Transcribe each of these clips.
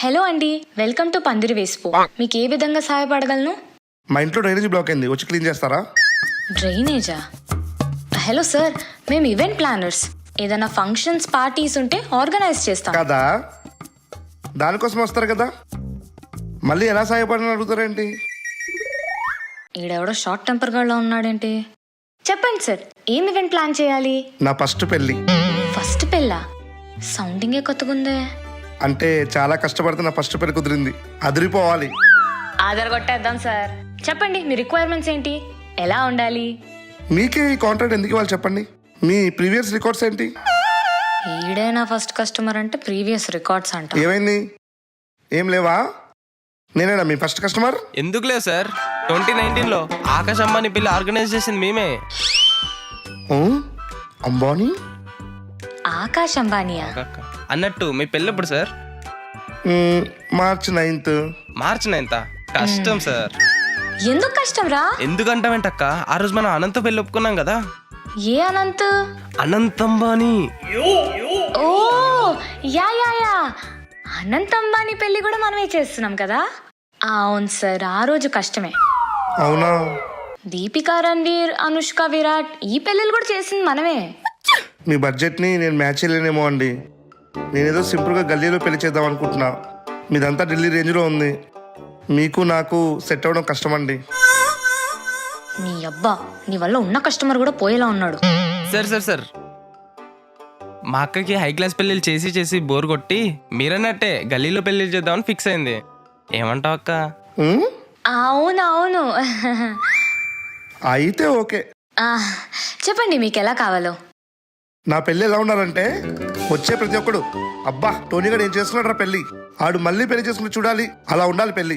Hello అండి, welcome to పందిరి వేసిపో. మీకు ఏ విధంగా సహాయపడగలను? మా ఇంట్లో డ్రైనేజ్ బ్లాక్ అయింది, వచ్చి క్లీన్ చేస్తారా? డ్రైనేజా? హలో సార్, మేము ఈవెంట్ ప్లానర్స్. ఏదైనా ఫంక్షన్స్ పార్టీస్ ఉంటే ఆర్గనైజ్ చేస్తాం కదా, దానికోసం వస్తారు కదా, మళ్ళీ ఎలా సహాయపడని అడుగుతారేంటి? ఈడెవడో షార్ట్ టెంపర్ గా ఉన్నాడేంటి? చెప్పండి సార్, ఏం ఈవెంట్ ప్లాన్ చేయాలి? నా ఫస్ట్ పెళ్ళి. ఫస్ట్ పెళ్ళా? సౌండింగే కొత్తగుందే. అంటే చాలా కష్టపడితే నా ఫస్ట్ పెళ్లి కుదిరింది, అదిరిపోవాలి. ఆధార్ కొట్టేద్దాం సార్. చెప్పండి మీ రిక్వైర్మెంట్స్ ఏంటి, ఎలా ఉండాలి? మీకే ఈ కాంట్రాక్ట్ ఎందుకు ఇవ్వాలి చెప్పండి? మీ ప్రీవియస్ రికార్డ్స్ ఏంటి? ఈడేనా ఫస్ట్ కస్టమర్ అంటే ప్రీవియస్ రికార్డ్స్ అంట. ఏమైంది, ఏం లేవా? నేనేనా మీ ఫస్ట్ కస్టమర్? ఎందుకు లేదు సార్, 2019లో ఆకాశ్ అంబానీ పెళ్లి ఆర్గనైజ్ చేసింది మేమే. ఓ, అంబానీ? ఆకాశ్ అంబానీయా? అన్నట్టు మీ పెళ్ళి ఎప్పుడు సార్? March 9th. మార్చి 9th? కష్టం సార్. ఎందుకు కష్టం రా? ఎందుకంటావేంటక్క, ఆ రోజు మనం అనంత పెళ్లి ఒప్పుకున్నాం కదా. ఏ Anant? Anant Ambani. Oh yeah yeah yeah, Anant Ambani పెళ్లి కూడా మనమే చేస్తున్నాం కదా. అవును సార్, ఆ రోజు కష్టమే. అవునా? దీపికా, రణ్వీర్, అనుష్క, విరాట్ ఈ పెళ్ళిళ్ళు కూడా చేసింది మనమే. మీ బడ్జెట్ని నేను మ్యాచ్ చేయలేనేమో అండి. నేనేదో సింపుల్గా గల్లీలో పెళ్లి చేద్దాం అనుకుంటున్నా. మీదంతా ఢిల్లీ రేంజ్లో ఉంది, మీకు నాకు సెట్ అవ్వడం కష్టం అండి. నీ అబ్బా, నీ వల్ల ఉన్న కస్టమర్ కూడా పోయేలా ఉన్నాడు. సార్ మా అక్కకి హై క్లాస్ పెళ్ళిళ్ళు చేసి చేసి బోర్ కొట్టి మీరన్నట్టే గల్లీలో పెళ్లి చేద్దామని ఫిక్స్ అయింది. ఏమంటావు అక్క? అవునవును. అయితే ఓకే. చెప్పండి మీకు ఎలా కావాలో. నా పెళ్ళి ఎలా ఉండాలంటే, వచ్చే ప్రతి ఒక్కడు అబ్బా టోనీ గారు ఏం చేస్తున్నాడు రా పెళ్ళి, ఆడు మళ్ళీ పెళ్లి చేసుకుని చూడాలి, అలా ఉండాలి పెళ్ళి.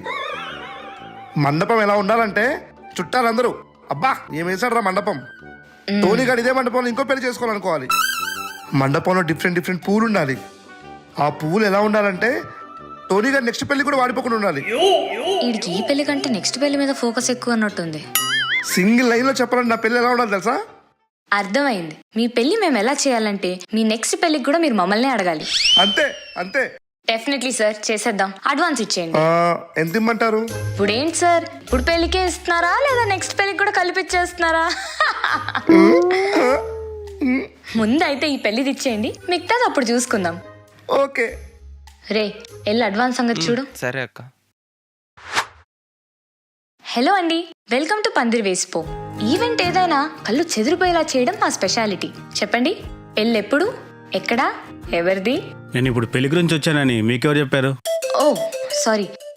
మండపం ఎలా ఉండాలంటే, చుట్టాలందరూ అబ్బా ఏం వేసాడు రా మండపం, టోనీ గారు ఇదే మండపంలో ఇంకో పెళ్లి చేసుకోవాలనుకోవాలి. మండపంలో డిఫరెంట్ పూలు ఉండాలి. ఆ పువ్వులు ఎలా ఉండాలంటే, టోనీ గారు నెక్స్ట్ పెళ్లి కూడా వాడిపోకుండా ఉండాలి. వీడికి ఈ పెళ్లి కంటే నెక్స్ట్ పెళ్లి మీద ఫోకస్ ఎక్కువ అన్నట్టుంది. సింగిల్ లైన్ లో చెప్పాలంటే నా పెళ్లి ఎలా ఉండాలి తెలుసా? అర్థమైంది. మీ పెళ్లి మేము ఎలా చేయాలంటే, మీ నెక్స్ట్ పెళ్లికి కూడా మీరు మమ్మల్ని అడగాలి. అంతే అంతే. డెఫినెట్లీ సార్, చేసేద్దాం. అడ్వాన్స్ ఇచ్చేయండి. ఎంత ఇమ్మంటారు? ఇప్పుడు ఏంటి సార్, ఇప్పుడు పెళ్లికే ఇస్తున్నారా లేదా నెక్స్ట్ పెళ్లికి కూడా కలిపిచ్చేస్తున్నారా? ముందైతే ఈ పెళ్లిది ఇచ్చేయండి, మిగతాది అప్పుడు చూసుకుందాం. ఓకే రే, వెళ్ళి అడ్వాన్స్ సంగతి చూడు. సరే అక్క. హలో అండి, వెల్కమ్ టు పందిరి వేసిపో. ఈవెంట్ ఏదైనా కళ్ళు చెదిరిపోయేలా చేయడం మా స్పెషాలిటీ. చెప్పండి, పెళ్ళి ఎప్పుడు, ఎక్కడా, ఎవరిది? నేను ఇప్పుడు పెళ్లి గురించి వచ్చానని మీకెవరు చెప్పారు? ఓ సారీ,